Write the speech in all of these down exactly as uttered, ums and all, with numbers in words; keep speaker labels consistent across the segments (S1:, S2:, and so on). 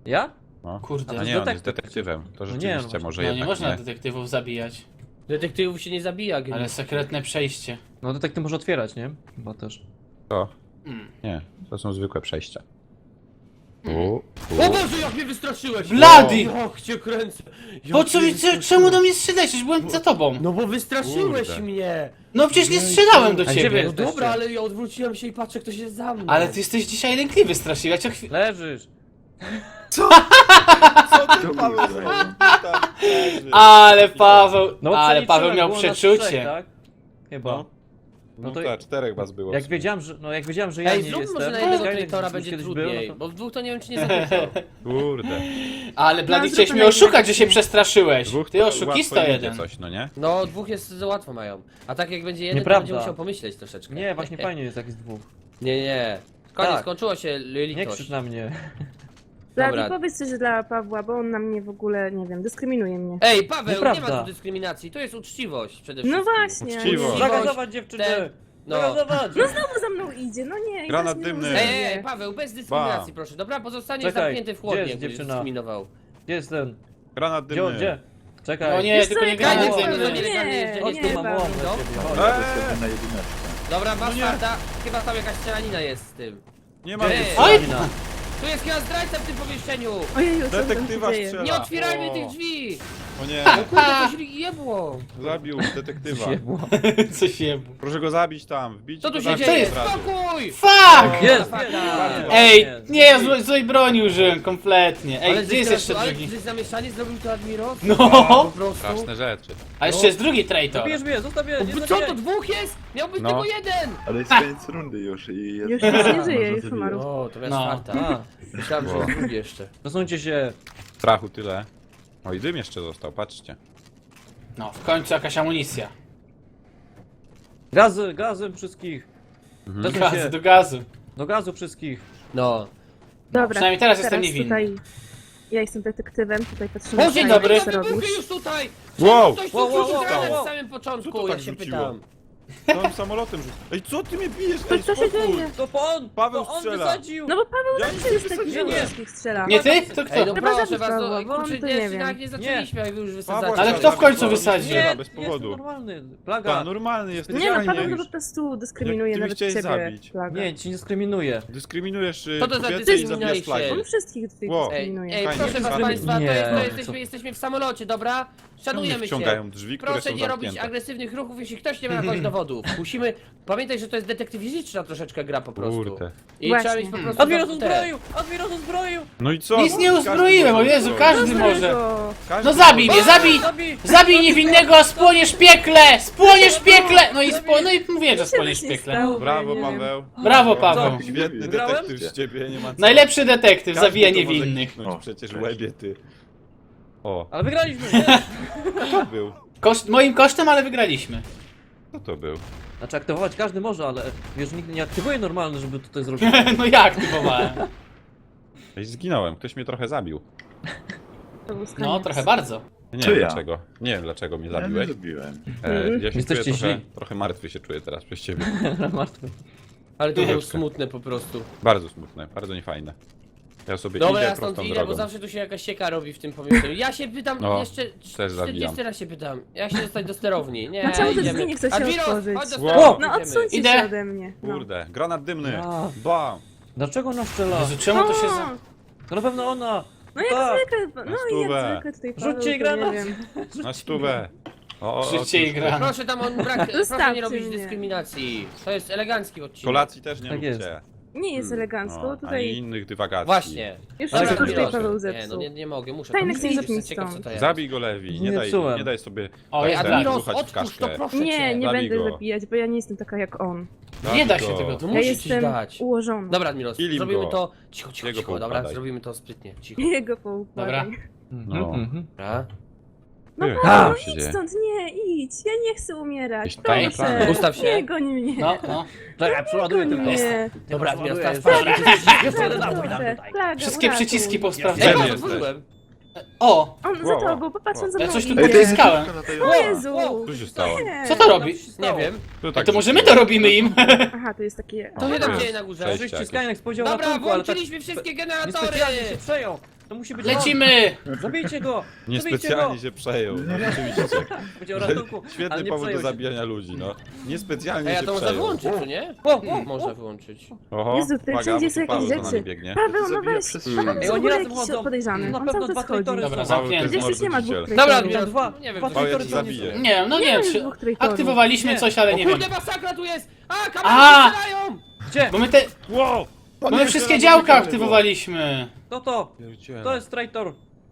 S1: Ja?
S2: No.
S3: Kurde.
S2: A nie, on jest detektywem. To
S1: No
S2: rzeczywiście
S1: nie,
S2: może
S3: No nie
S2: jednak
S3: można
S2: nie.
S3: detektywów zabijać.
S4: Detektywów się nie zabija, geniusz.
S3: Ale sekretne przejście.
S1: No detektyw może otwierać, nie? Chyba też.
S2: To.
S3: Mm.
S2: Nie, to są zwykłe przejścia.
S3: Mm.
S2: U, u.
S4: O Boże, jak mnie wystraszyłeś!
S3: Bloody!
S4: Jak cię kręcę! Jak
S3: Po co
S4: mnie
S3: mi,
S4: wystraszyłeś.
S3: czemu do mnie strzelałeś? Przecież byłem za tobą.
S4: No bo wystraszyłeś
S2: Kurde.
S4: mnie!
S3: No przecież nie strzelałem do
S1: A gdzie wy
S3: ciebie.
S4: No
S1: jesteście?
S4: dobra, ale ja odwróciłem się i patrzę, kto się za mną.
S3: Ale ty jesteś dzisiaj lękliwy strasznie. Ja cię chwilę...
S1: Leżysz!
S2: Co ty, Paweł, zrobił? Tam leży.
S3: Ale Paweł...
S1: No
S3: ale
S1: przeliczyłem,
S3: Paweł miał
S1: było nas
S3: przeczucie.
S1: trzech, tak? Chyba.
S2: No.
S1: No
S2: No
S1: to
S2: tak, czterech was było.
S1: jak wiedziałem, że, no jak wiedziałem, że ja
S4: Ej,
S1: nie
S4: zrób
S1: jestem...
S4: może na jednego
S1: Skynet
S4: traitora
S1: już
S4: będzie
S1: kiedyś
S4: trudniej,
S1: był, no
S4: bo w dwóch to nie wiem, czy nie zabiję.
S2: Kurde.
S3: Ale Bloody
S5: No,
S3: chciałeś
S5: zróbmy
S3: mnie oszukać, że się
S5: najlepiej.
S3: przestraszyłeś.
S2: Dwóch
S3: Ty
S2: to
S3: oszukista
S2: łatwo idzie
S3: jeden.
S2: coś, no nie?
S4: No, dwóch jest za łatwo mają. A tak jak będzie jeden,
S1: Nieprawda.
S4: to będzie musiał pomyśleć troszeczkę.
S1: To... Nie, właśnie fajnie jest jak jest dwóch.
S4: Nie, nie. Koniec,
S1: Tak.
S4: skończyło się
S1: Nie
S4: litość.
S1: krzycz na mnie.
S5: Blady,
S4: Dobra.
S5: powiedz coś dla Pawła, bo on na mnie w ogóle, nie wiem, dyskryminuje mnie.
S4: Ej, Paweł,
S1: Nieprawda.
S4: nie ma tu dyskryminacji, to jest uczciwość przede
S5: No
S4: wszystkim.
S5: właśnie.
S2: Uczciwo.
S5: nie-
S1: Zagazować dziewczynę!
S4: ten- no.
S1: Zagazować!
S5: No znowu za mną idzie, no nie.
S2: Granat
S5: i teraz
S2: dymny.
S5: mnie
S4: Ej,
S5: rozumie.
S4: ej, Paweł, bez dyskryminacji,
S2: Bam.
S4: proszę, dobra? Pozostanie
S1: Czekaj,
S4: zamknięty w
S1: gdzie
S4: chłodnie,
S1: jest
S4: jakbyś
S1: dziewczyna?
S4: dyskryminował.
S1: Gdzie jest ten?
S2: Granat
S1: Gdzie,
S2: dymny.
S1: gdzie? Czekaj.
S3: No nie,
S5: Wiesz
S3: tylko
S5: co,
S3: nie
S5: jak
S3: gramy
S4: ja
S5: Paweł,
S4: nie
S3: ze
S4: chcę,
S3: mną.
S4: nie, nielegalnie jeżdżenie
S1: Chodź tu, mam
S4: Paweł,
S1: łomę
S4: no.
S1: ciebie.
S2: Eee,
S4: Dobra, masz
S2: No nie.
S4: farta, chyba tam jakaś strzelanina jest z tym.
S2: nie ma
S4: Ej.
S2: nic.
S3: Oj!
S4: Tu jest chyba zdrajca w tym pomieszczeniu!
S5: Ojeju, co tam
S2: Detektywa
S5: się dzieje?
S2: strzela.
S4: Nie otwierajmy
S2: O.
S4: tych drzwi!
S2: O nie,
S4: No kurde, coś jebło!
S2: zabił detektywa.
S3: Coś je...
S2: Proszę go zabić tam, wbić
S4: Co tu
S2: go
S4: się
S2: tam
S4: dzieje?
S2: od razu.
S4: Spokój!
S3: Fuck!
S1: Jest!
S4: Farta.
S3: Ej, nie, ja złej, złej broni użyłem kompletnie. Ej,
S4: Ale
S3: gdzie jest jeszcze
S4: ale
S3: drugi?
S4: Ale zamieszanie zrobił to Admiros?
S3: No.
S4: Po prostu.
S2: Straszne rzeczy.
S3: A jeszcze jest drugi traitor.
S1: Zabijesz mnie, zostaw mnie, nie
S4: O, Co
S1: zabijaj.
S4: to dwóch jest? Miał być
S2: No.
S4: tylko jeden!
S6: Ale jest koniec rundy już i jest...
S5: Już nic nie żyje,
S6: Można
S5: już
S6: zabijać.
S5: umarł.
S4: O, to jest
S3: No.
S4: farta.
S1: A,
S4: Myślałem, że
S2: Wow.
S4: jest drugi jeszcze.
S1: przesuńcie się.
S2: Strachu tyle. O i dym jeszcze został, patrzcie.
S3: No, w końcu jakaś amunicja.
S1: Gazy, gazem wszystkich.
S2: Mhm.
S1: Przesuń
S3: Gazu
S1: się.
S3: do gazu.
S1: Do gazu wszystkich.
S4: No.
S5: Dobra,
S3: przynajmniej teraz jestem niewinny.
S5: Tutaj ja jestem detektywem, tutaj patrzymy.
S3: O, dzień
S5: na
S3: dobry.
S5: co
S4: Wybuchy
S5: robisz.
S4: już tutaj!
S2: Wow!
S4: Ktoś tu
S1: Wow, wow,
S4: rzucił
S1: wow,
S4: granat
S1: wow.
S4: w samym
S2: Co
S4: początku,
S2: to
S4: ja
S2: tak
S4: się
S2: rzuciło?
S4: pytam.
S2: Całym samolotem rzucił. Ej, co ty mnie bijesz?
S5: To
S2: Ej,
S5: co się
S2: spokój.
S5: dzieje?
S1: To on!
S2: Paweł
S1: to on
S2: strzela.
S1: wysadził!
S5: No bo Paweł
S2: Ja
S5: zawsze
S2: nic
S5: jest
S2: nie
S5: taki, że
S2: wysadziłem.
S5: wszystkich strzela.
S3: Nie ty? To kto?
S4: Ej, no
S5: Chyba
S4: proszę
S5: zabić
S4: was,
S5: Pawła,
S4: no,
S5: bo on
S4: kurczę,
S5: to
S4: nie,
S5: nie
S4: jeszcze
S5: wiem.
S4: nawet nie zaczęliśmy, jak wy już
S2: Pawła
S4: wysadzacie.
S3: Ale kto w końcu wysadził?
S2: Strzela
S1: Nie,
S2: bez
S1: jest
S2: powodu.
S1: normalny.
S2: Ta,
S1: Plaga.
S2: normalny jest.
S5: Nie no,
S2: fajnie.
S5: Paweł po prostu dyskryminuje
S2: Jak ty
S5: nawet
S2: byś
S5: ciebie.
S2: chciał zabić.
S5: Plaga.
S1: Nie, ci nie dyskryminuje.
S2: Dyskryminujesz y,
S4: Co to za
S2: kobiety i zabijasz
S4: dyskrymination?
S2: flagi.
S5: On wszystkich tutaj
S2: Wow.
S4: Ej,
S5: dyskryminuje.
S4: ej
S2: Fajnie,
S4: proszę was
S2: fajnie.
S4: państwa, to
S1: Nie.
S4: jest, to
S1: Co?
S4: jesteśmy, jesteśmy w samolocie, dobra?
S2: Czemu nie
S4: Szanujemy się.
S2: wciągają drzwi, które
S4: Proszę
S2: są
S4: nie robić
S2: zamknięte?
S4: agresywnych ruchów, jeśli ktoś nie ma jakoś dowodów. Musimy pamiętać, że to jest detektywistyczna troszeczkę gra po prostu.
S2: Kurde.
S4: I
S5: Właśnie.
S4: trzeba mieć po prostu.
S1: Admiros
S4: te-
S1: uzbroił! Admiros uzbroił!
S2: No i co?
S3: Nic
S2: No,
S3: nie
S2: każdy
S3: uzbroiłem, o
S2: może
S3: Jezu,
S2: uzbroić.
S3: każdy może.
S5: Go.
S2: Każdy
S3: No zabij
S2: może.
S3: mnie, zabij!
S1: Zabij!
S3: Zabij niewinnego, a spłoniesz piekle! Spłoniesz piekle! No i spło... no i mówię, że
S5: Co się
S3: spłoniesz
S5: właśnie
S3: piekle.
S5: stało?
S2: Brawo,
S5: Nie wiem.
S2: Paweł.
S3: Brawo, Paweł.
S2: Świetny
S1: Wygrałem?
S2: detektyw z ciebie, nie ma co.
S3: Najlepszy detektyw,
S2: Każdy
S3: zabija
S2: to może
S3: niewinnych.
S2: kliknąć
S6: O,
S2: przecież
S6: cześć.
S2: łebie ty. O,
S1: Ale wygraliśmy, nie?
S2: kto to był?
S3: Koszt, moim kosztem, ale wygraliśmy.
S2: Kto to był?
S1: Znaczy aktywować każdy może, ale wiesz, nikt nie aktywuje normalny, żeby tutaj zrobić.
S3: No jak typowałem?
S2: Ej, zginąłem, ktoś mnie trochę zabił.
S5: To był
S3: No,
S5: skaniec.
S3: trochę bardzo.
S2: Nie
S6: Czy
S2: wiem
S6: ja?
S2: dlaczego. Nie wiem dlaczego mnie
S6: Ja nie
S2: zabiłeś.
S6: zrobiłem.
S2: E, ja się czuję
S1: Jesteście
S2: trochę,
S1: źli.
S2: trochę martwy się czuję teraz przez ciebie.
S1: Martwy.
S4: Ale to było
S2: Troszeczkę.
S4: smutne po prostu.
S2: Bardzo smutne, bardzo niefajne. Ja sobie
S4: Dobra,
S2: idę
S4: ja stąd
S2: prostą
S4: idę, bo
S2: drogą.
S4: zawsze tu się jakaś sieka robi w tym pomieszczeniu. Ja się pytam
S2: No,
S4: jeszcze.
S2: też zabijam.
S4: czterdziesty raz się pytam. Jak się dostać do sterowni? Nie,
S5: No czemu te
S4: idziemy.
S5: drzwi nie chce się
S4: Admiros,
S5: otworzyć?
S4: chodź do
S2: Wow.
S4: sterowni,
S5: No
S4: idziemy.
S5: odsuńcie
S3: Idę.
S5: się ode mnie. No.
S2: Kurde, granat dymny.
S1: A.
S2: Bam!
S1: Dlaczego ona strzela?
S3: Jezu, czemu to się
S5: O,
S3: za...
S1: To na pewno ona!
S5: No jak
S1: Tak.
S5: zwykle, no
S2: Na
S5: i
S2: stówę.
S5: jak zwykle tutaj Paweł,
S1: Rzućcie jej
S5: to
S1: granat!
S5: nie wiem.
S2: Na stówę. O, o,
S3: Życie
S2: otóż
S3: i gra.
S4: Proszę tam on brak. Proszę
S5: Zostawcie
S4: nie robić
S5: mnie.
S4: dyskryminacji. To jest elegancki odcinek.
S2: Kolacji też nie
S1: Tak jest.
S2: róbcie.
S5: Nie jest
S2: Hmm,
S5: elegancko,
S2: no, Ani
S5: tutaj
S2: innych dywagacji.
S4: Właśnie.
S5: już
S1: Ale
S5: wszystko
S1: tak
S5: tutaj
S1: proszę.
S5: Paweł
S4: Nie, no
S5: zepsuł.
S4: nie, nie mogę, muszę.
S5: Tajne
S4: to
S5: księżyc
S4: Jestem
S5: mi
S4: ciekaw, co
S5: stąd.
S4: to jest.
S2: Zabij go, Lewi. Nie
S1: Nie
S2: daj,
S1: psułem.
S2: nie daj sobie...
S3: O,
S2: tak
S3: ja
S2: ten,
S4: Admiros,
S2: ruchać w
S4: odpuść to,
S2: kaszkę.
S4: proszę
S5: Nie,
S4: cię.
S5: nie
S2: Zabij
S5: będę
S2: go.
S5: zabijać, bo ja nie jestem taka jak on.
S2: Zabij
S3: Nie da
S2: go.
S3: się tego, to
S5: Ja
S3: musisz ci
S5: jestem
S3: dać.
S5: ułożona.
S4: Dobra, Admiros,
S2: Kilim
S4: zrobimy
S2: go.
S4: to. Cicho, cicho,
S2: Jego
S4: cicho, dobra,
S2: poukładaj.
S4: zrobimy to sprytnie. Cicho.
S5: Jego poukładaj.
S3: Dobra.
S2: No.
S1: Mhm.
S4: Dobra.
S5: No
S2: Ty,
S5: Paweł,
S2: co
S5: no
S2: się
S5: idź
S2: dzieje?
S5: stąd, nie, idź. Ja nie chcę umierać.
S2: Jakieś tajne
S5: Proszę.
S2: plany.
S4: Ustaw się.
S5: Nie goń mnie.
S3: No, no.
S1: Czekaj, przeładuję
S5: Goń
S1: tylko.
S5: mnie.
S4: Dobra, Admiros, teraz
S1: Dobra.
S4: patrz.
S1: Jeszcze jeden napój dam
S5: Proszę,
S1: tutaj.
S5: plaga,
S3: Wszystkie
S5: uratuj.
S3: przyciski
S4: Ej,
S3: posprawdzałem.
S2: Gdzie
S4: patrz,
S2: jesteś?
S4: otworzyłem.
S3: O!
S5: On
S2: Wow,
S5: za tobą, popatrz, on za
S3: Ja
S5: mną
S3: coś tu
S5: idzie.
S6: Ej, to jest
S3: Zyskałem.
S5: O Jezu.
S2: Co się stało?
S5: Nie.
S3: Co to robi?
S4: Nie wiem.
S2: To
S3: A
S2: tak
S3: to może my
S2: rzuciło.
S3: to robimy im?
S5: Aha, to jest takie...
S4: To się
S2: to
S4: tam
S2: jest
S4: dzieje na górze.
S2: przejście.
S1: Oczywiście Skynex powiedział
S4: Dobra,
S1: ratunku, ale tak
S4: włączyliśmy wszystkie
S1: niespecjalnie
S4: generatory!
S1: się przejął. To musi być
S3: Lecimy!
S1: on! Zabijcie go!
S2: Niespecjalnie
S1: go!
S2: się przejął, no rzeczywiście.
S1: Będzie o ratunku,
S2: Świetny
S1: ale nie
S2: powód do
S1: przejął się.
S2: zabijania ludzi, no. Niespecjalnie
S4: Ej, a
S2: się
S4: to można
S2: przejął.
S4: wyłączyć, czy nie?
S1: O, o,
S4: Można
S1: o.
S4: wyłączyć.
S2: Oho,
S5: Jezu, tutaj
S2: uwaga,
S5: wszędzie
S2: bo
S5: są
S2: tu
S5: jakieś
S2: Paweł za nami
S5: rzeczy.
S2: biegnie.
S5: Paweł, no
S6: Zabija
S5: weź,
S6: przez
S5: Paweł
S6: ścianę.
S5: jest
S1: Ej,
S5: w
S1: oni
S5: ogóle
S1: razem
S5: jakiś
S1: chodzą.
S5: podejrzany.
S1: Na
S5: On
S1: pewno
S5: cały
S1: dwa
S5: czas chodzi.
S1: traitory
S3: Dobra,
S1: są.
S3: zamknięty.
S2: Paweł, to
S5: Gdzieś nie ma dwóch
S2: mordyciel.
S5: traitorów.
S3: Dobra,
S1: Widziałem dwa,
S3: nie wiem,
S1: dwa
S3: co
S2: Paweł, ja
S1: traitory
S2: cię
S1: są
S2: zabiję.
S1: nie-
S3: Nie wiem, no nie wiem,
S5: Nie,
S3: czy
S5: dwóch traitorów.
S3: aktywowaliśmy
S1: Nie.
S3: coś, ale
S4: O
S3: nie wiem.
S4: kurde, masakra tu jest! A,
S3: A!
S4: kamery strzelają!
S1: Gdzie?
S3: Bo my te,
S2: Wow!
S3: bo my wszystkie działka aktywowaliśmy.
S1: Kto to?
S2: Pierdziele.
S1: To jest traitor.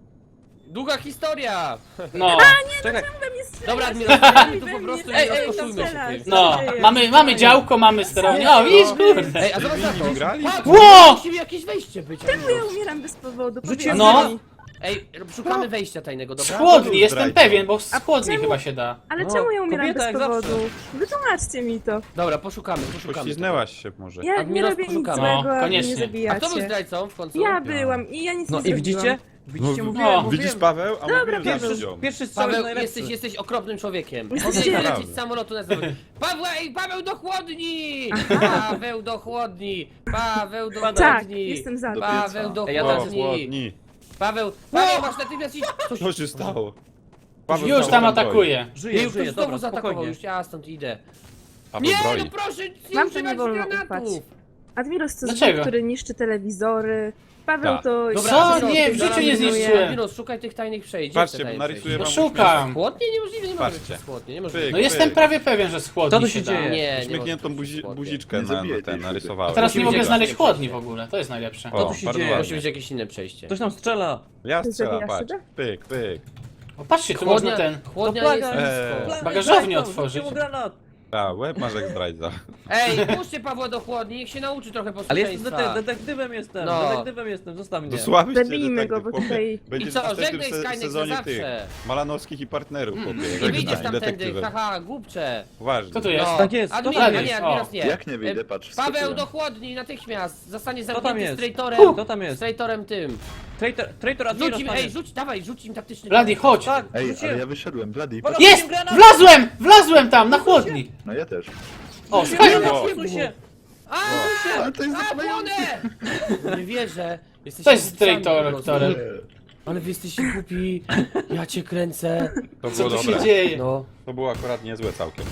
S4: Długa historia!
S3: No,
S1: Czekaj,
S4: Dobra, Admiral, strzelają tu po
S5: we mnie.
S4: prostu
S1: Ej,
S4: nie
S1: ej,
S4: rozkoszujmy się
S5: tam
S4: tym.
S3: no.
S5: dzieje?
S3: Mamy, mamy działko, mamy sterowanie. O, widzisz, kurde.
S4: Ej, a zobacz na to.
S2: Grali?
S4: Patrz,
S3: Ło!
S4: musi jakieś wejście być.
S5: Czemu ja umieram bez powodu?
S1: Rzuciłem
S3: No.
S5: Powiedzcie mi.
S4: Ej, szukamy wejścia tajnego,
S3: Z
S4: dobra?
S3: chłodni, jestem
S2: Zdrajca.
S3: pewien, bo z chłodni
S5: czemu?
S3: chyba się da.
S5: Ale
S1: No,
S5: czemu ja umieram
S1: kobieta
S5: bez
S1: jak zawsze.
S5: powodu? Wytłumaczcie mi to.
S4: Dobra, poszukamy, poszukamy.
S2: Pośliznęłaś się może.
S5: Ja nie
S4: Admiros,
S5: robię nic
S4: poszukamy.
S3: No,
S5: złego, a wy
S3: koniecznie.
S5: mnie
S4: A kto był
S5: zabijacie.
S4: zdrajcą w końcu?
S5: Ja byłam i ja nic
S1: no
S5: nie
S1: i
S5: zrobiłam.
S1: widzicie? Widzicie,
S2: No,
S1: mówiłem,
S3: no.
S1: mówiłem.
S2: Widzisz Paweł? A
S5: Dobra,
S2: mówiłem
S5: Paweł.
S2: za
S1: Pierwszy,
S2: nią.
S1: pierwszy strzał jest
S4: Paweł,
S1: najlepszy.
S4: jesteś, jesteś okropnym człowiekiem.
S5: Jesteście-
S4: Powinien lecieć
S2: Naprawdę.
S4: z samolotu na zewnątrz. Paweł, ej, Paweł do chłodni! Paweł do chłodni! Paweł do
S5: Tak,
S4: chłodni!
S5: jestem za.
S6: Do
S4: Paweł do
S1: Ej, ja
S2: Wow,
S4: chłodni!
S2: chłodni.
S4: Paweł, Paweł, masz natychmiast iść! Coś
S2: Co się stało? Paweł
S3: Już
S2: znowu
S3: tam
S2: broi.
S3: atakuje.
S1: Żyje,
S4: już
S1: żyje,
S4: ktoś znowu
S1: dobra,
S4: zaatakował,
S1: spokojnie.
S4: już ja stąd idę.
S2: Paweł
S4: Nie,
S2: broi.
S4: no proszę, nie
S5: Wam to
S4: używać
S5: nie wolno
S4: granatów!
S5: ufać. Admiros to
S3: Dlaczego?
S5: zwój, który niszczy telewizory. Paweł
S2: Tak.
S5: to...
S4: Dobra,
S3: Co?
S4: Admiros,
S3: Nie,
S4: ty
S3: w
S4: zaraz
S3: życiu nie
S4: pilnuję.
S3: zniszczyłem.
S4: Admiros, szukaj tych tajnych przejść. Gdzie
S2: Patrzcie,
S4: te tajne
S2: narysuję
S4: przejść?
S2: wam
S3: No szukam.
S4: Chłodnie? Niemożliwe, nie może być
S2: Patrzcie.
S4: chłodnie, niemożliwe.
S2: Pyk.
S3: No jestem prawie pewien, że z
S1: Co
S3: chłodni
S1: tu
S3: się
S1: się
S3: da.
S1: dzieje?
S4: Nie, nie
S2: Uśmiechniętą
S4: może być
S2: buzi
S4: chłodnie.
S2: buziczkę
S6: Nie
S2: na,
S6: zabijaj
S2: na ten
S6: tej
S2: narysowałem.
S3: A teraz nie
S4: Musimy
S3: mogę
S4: gdzieś
S3: znaleźć
S4: nie
S3: chłodni w
S4: przejść.
S3: ogóle, to jest najlepsze.
S1: Co
S2: O,
S1: tu się
S2: bardzo
S1: dzieje?
S2: ładnie.
S4: Musi być jakieś inne przejście.
S1: Ktoś nam strzela.
S2: Ja
S5: Ty
S2: strzelam,
S5: zabijasz
S2: patrz.
S5: siebie?
S2: Pyk, pyk.
S3: O, patrzcie, tu
S4: Chłodnia,
S3: można ten...
S4: chłodnia
S1: To
S4: jest
S1: plaga.
S2: Eee.
S4: blisko.
S3: Bagażownię
S1: Rzućcie
S3: otworzyć.
S1: mu granat.
S2: A, łeb masz jak zdrajca.
S4: Ej, puśćcie Pawła do chłodni, niech się nauczy trochę
S1: Ale jestem
S4: posłuszeństwa.
S1: dete detektywem jestem,
S4: No.
S1: detektywem jestem, zostaw mnie.
S2: Dosławmy cię,
S5: Zabijmy go,
S2: detektyw,
S5: bo
S2: chłopie.
S5: tutaj-
S2: Będzie
S4: I co,
S2: w następnym
S4: żegnaj
S2: se-
S4: Skynet na
S2: sezonie tych
S4: zawsze.
S2: Malanowskich i partnerów, chłopie. jak
S4: Nie
S2: będziesz
S4: wyjdziesz tamtędy,
S2: detektywem.
S4: haha, głupcze.
S2: Uważnie.
S3: Kto tu jest?
S4: No.
S1: Tak jest, to
S4: Admiros,
S3: tam
S4: a
S3: jest.
S4: nie, Admiros
S3: O.
S4: nie.
S6: Jak nie wyjdę,
S4: E,
S6: patrz,
S4: Paweł
S6: skoczyłem.
S4: do chłodni natychmiast. Zostanie
S1: tam
S4: zamknięty
S1: jest?
S4: z traitorem.
S1: Kto tam jest?
S4: Z traitorem tym.
S1: Traitor, traitor Admiros
S4: Rzuć im,
S1: tam
S4: ej,
S1: jest.
S4: rzuć, dawaj, rzuć im taktyczny.
S3: Bladi, chodź!
S1: Tak,
S6: Ej, ale
S1: rzuciłem.
S6: ja wyszedłem, Bloody.
S1: Dobra.
S3: Jest!
S1: Granat!
S3: Wlazłem! Wlazłem tam, na chłodni!
S6: No ja też.
S3: O,
S1: Rzuciłem
S3: Skynet!
S1: granat, odsuń się.
S4: A,
S6: Ale to jest
S4: a,
S6: zapalające.
S4: płonę! Nie wierzę. Jesteście
S3: To jest
S4: głupcami
S3: traitor,
S4: po prostu.
S3: który-
S4: Ale wy jesteście głupi. Ja cię kręcę.
S2: To
S3: Co
S2: było
S3: tu się
S2: dobre.
S3: dzieje?
S4: No.
S2: To było akurat niezłe całkiem.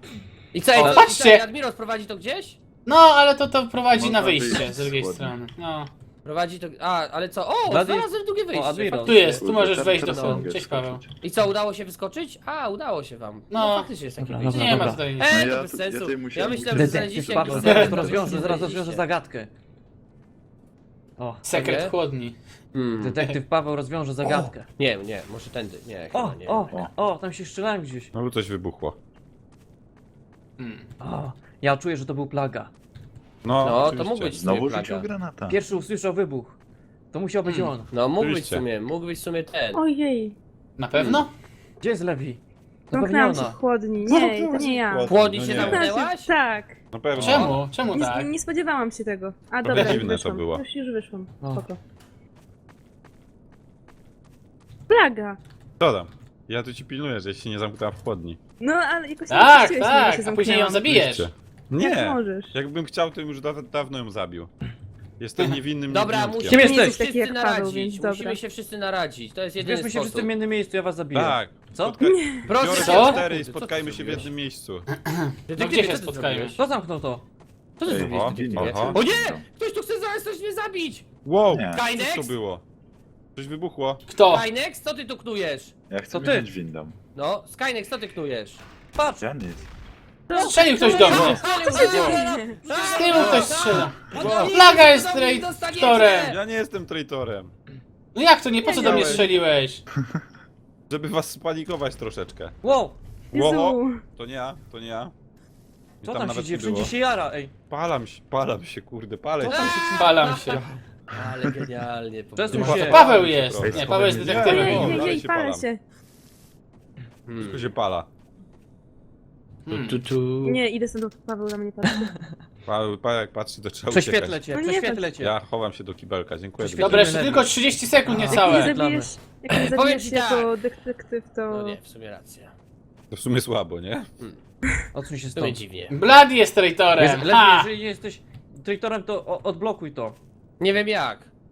S4: I co, ej,
S3: O,
S4: co,
S3: patrzcie!
S4: i co, Admiros prowadzi to gdzieś?
S3: No, ale to to prowadzi
S6: Można
S3: na wyjście
S6: wyjść
S3: z drugiej
S6: z chłodni.
S3: strony. No.
S4: Prowadzi to... A, ale co? O,
S1: Blady-
S4: znalazłem drugie wyjście.
S1: O, Admiros.
S3: Tu jest, tu
S6: Kurde,
S3: możesz
S6: teraz-
S3: wejść do
S6: teraz
S3: chłodni.
S6: mogę
S3: Cześć Paweł.
S6: skoczyć.
S4: I co, udało się wyskoczyć? A, udało się wam. No,
S3: No.
S4: faktycznie jest takie
S1: Dobra,
S4: wyjście.
S3: Nie ma
S1: dobra.
S3: tutaj nic.
S4: Ej,
S6: No
S4: to
S6: ja
S4: bez
S6: tu-
S4: sensu.
S6: ja tutaj
S4: Ja,
S6: musiałem
S4: myślałem, że
S1: Detektyw
S4: znaleźliście
S1: Paweł,
S4: jakiś
S1: zaraz
S4: sekret,
S1: to rozwiąże,
S4: który
S1: zaraz
S4: znaleźliście.
S1: rozwiąże zagadkę. O,
S3: Sekret
S4: Nie?
S3: chłodni.
S4: Hmm.
S1: detektyw Paweł rozwiąże zagadkę.
S4: Nie, nie, może tędy. Nie,
S1: O,
S4: chyba nie.
S1: o, o, tam się strzelałem gdzieś.
S2: No coś wybuchło.
S3: Hmm.
S1: O, ja czuję, że to był plaga.
S2: No,
S4: No, to
S2: oczywiście.
S4: mógł być
S6: Znowu
S4: plaga.
S6: rzucił granata.
S1: Pierwszy usłyszał wybuch. To musiał być
S3: Hmm.
S1: on.
S4: No, mógł być w
S2: Oczywiście.
S4: sumie, mógł być w sumie ten.
S5: Ojej,
S3: Na pewno?
S1: Gdzie jest Lewi? To pewnie
S5: zamknęłam się
S1: ona.
S5: w chłodni. Nie, to nie ja.
S4: Płodni
S2: No
S4: się
S2: nie.
S4: zamknęłaś?
S5: Tak.
S2: Na pewno.
S3: Czemu? Czemu tak?
S5: Nie, nie spodziewałam się tego. A
S2: No
S5: dobra,
S2: dziwne
S5: już
S2: to
S5: wyszłam.
S2: było.
S5: Już, już wyszłam.
S1: O.
S5: Spoko. Plaga.
S2: Co tam? Ja tu ci pilnuję, żeś się nie zamknęła w chłodni.
S5: No, ale jakoś nie
S3: Tak,
S5: puściłeś mnie, że się
S3: tak, a później ją
S5: zamknęłam.
S3: zabijesz.
S2: Oczywiście.
S5: Jak
S2: Nie!
S5: możesz.
S2: Jakbym chciał, to bym już da dawno ją zabił. Jestem niewinnym
S4: Dobra,
S2: niewinniutkiem.
S4: musimy
S1: Kim
S4: się
S1: jesteś?
S5: Taki jak
S4: wszyscy
S5: Paweł,
S4: naradzić.
S5: więc dobra.
S4: Musimy się wszyscy naradzić. To jest jedyny
S1: Zbierzmy się wszyscy
S4: sposób.
S1: w jednym miejscu, ja was zabiję.
S2: Tak.
S1: Co?
S2: Spotka...
S4: Proszę
S2: Biorę
S4: cię,
S3: Co?
S2: cztery i
S4: Co ty
S2: spotkajmy się w
S4: zrobiłeś?
S2: jednym miejscu.
S3: No gdzie się spotkajmy?
S1: Kto zamknął to?
S4: Co ty
S6: Ej,
S4: zrobiłeś,
S6: o,
S4: detektywie?
S2: oho.
S4: O nie! Ktoś tu chce zaraz coś mnie zabić!
S2: Wow!
S6: Nie.
S2: Co
S4: Kainex?
S2: to było? Coś wybuchło.
S3: Kto?
S4: Skynex, co ty tu knujesz?
S6: Ja chcę
S1: To ty.
S6: wziąć windą.
S4: No, Skynex, co ty knujesz?
S1: Patrz!
S6: Ja nic.
S3: Strzelił ktoś do mnie.
S4: Co
S5: się dzieje?
S3: Z tyłu ktoś strzela.
S4: Wow.
S3: Plaga jest
S4: Co wy mi
S3: traitorem.
S2: Ja nie jestem traitorem.
S3: No jak to nie? Po co do mnie
S2: Wiedziałem.
S3: strzeliłeś?
S2: Żeby was spanikować troszeczkę.
S1: Wow!
S2: Łoho!
S5: Jezu.
S2: To nie ja, to nie ja. I
S1: Co tam się
S2: nawet
S1: dzieje?
S2: nie było.
S1: Wszędzie się jara, ej.
S2: Palam się, palam się, kurde, palę
S1: Co
S2: się.
S1: tam się
S3: Palam się.
S4: Ale genialnie. po
S1: Przesuń
S4: prostu.
S1: się.
S3: To Paweł jest.
S2: Ej,
S3: Nie, Paweł jest
S6: nie,
S3: detektywem.
S5: Ojej,
S2: O,
S5: ojej,
S2: dalej
S5: ojej,
S2: się
S5: palę
S2: palam.
S5: się.
S4: Hmm.
S2: Wszystko się pala.
S3: Hmm.
S4: Tu, tu.
S5: Nie, idę stąd, Paweł na mnie patrzy.
S2: Paweł, pa, jak patrzy, to trzeba
S1: Prześwietlę
S2: uciekać.
S1: cię,
S5: No nie,
S1: prześwietlę cię.
S2: Ja chowam się do kibelka, dziękuję.
S1: Prześwietlę.
S3: Dobra, jeszcze
S1: Lepiej.
S3: tylko trzydzieści sekund
S5: Jak
S3: niecałe.
S5: mnie zabijesz, jak mnie
S4: Powiem
S5: zabijesz
S4: ci
S5: jako detektyw, to...
S4: No nie, w sumie racja.
S2: To w sumie słabo, nie?
S1: Odsuń się
S4: W sumie
S1: stąd.
S4: dziwnie.
S3: Blady jest
S1: Wiesz,
S3: traitorem.
S1: lepiej,
S3: Ha!
S1: jeżeli nie jesteś traitorem, to o- odblokuj to.
S4: Nie wiem jak.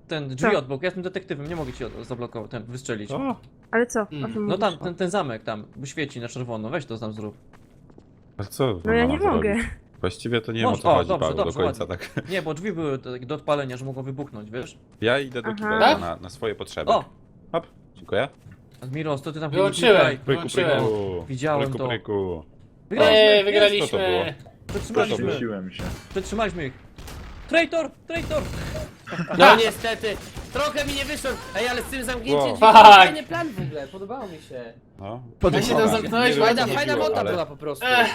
S1: ten drzwi
S5: Co?
S1: od boku, ja jestem detektywem, nie mogę ci od- zablokować, ten, wystrzelić.
S2: O,
S5: Ale co? O
S3: Mm.
S5: czym
S1: No tam,
S5: mówisz?
S1: ten, ten zamek tam, bo świeci na czerwono, weź to tam zrób.
S2: a co?
S5: No ja
S2: ona
S5: nie
S2: ma
S5: mogę.
S2: zrobić? Właściwie to nie wiem o
S1: Może-
S2: co
S1: o,
S2: chodzi,
S1: dobrze,
S2: Paweł,
S1: dobrze,
S2: do końca
S1: ładnie.
S2: tak.
S1: Nie, bo drzwi były tak do odpalenia, że mogą wybuchnąć, wiesz?
S2: Ja idę do
S5: Aha.
S2: kibela
S3: Tak?
S2: na, na swoje potrzeby.
S1: O!
S2: Hop, dziękuję.
S1: Admiros, to ty tam
S3: Wyłączyłem.
S1: klikaj.
S2: Pryku,
S3: Wyłączyłem.
S2: pryku.
S1: Widziałem
S2: pryku,
S1: to.
S2: Pryku.
S3: Eee,
S1: Wygraliśmy,
S2: Co to było?
S3: wygraliśmy.
S1: przetrzymaliśmy,
S6: Przeprosiłem się.
S1: przetrzymaliśmy ich. Traitor, traitor!
S4: No niestety, trochę mi nie wyszło. Ej, ale z tym zamknięciem
S2: Wow.
S4: drzwi to był
S3: Fuck.
S4: fajny plan w ogóle, podobało mi się.
S2: No.
S3: Jak się tam
S2: Dobra.
S3: zamknąłeś,
S2: Nie wiem,
S4: Fajna,
S2: jak to
S4: fajna
S2: chodziło,
S4: monta
S2: ale-
S4: była po prostu.
S3: Ech.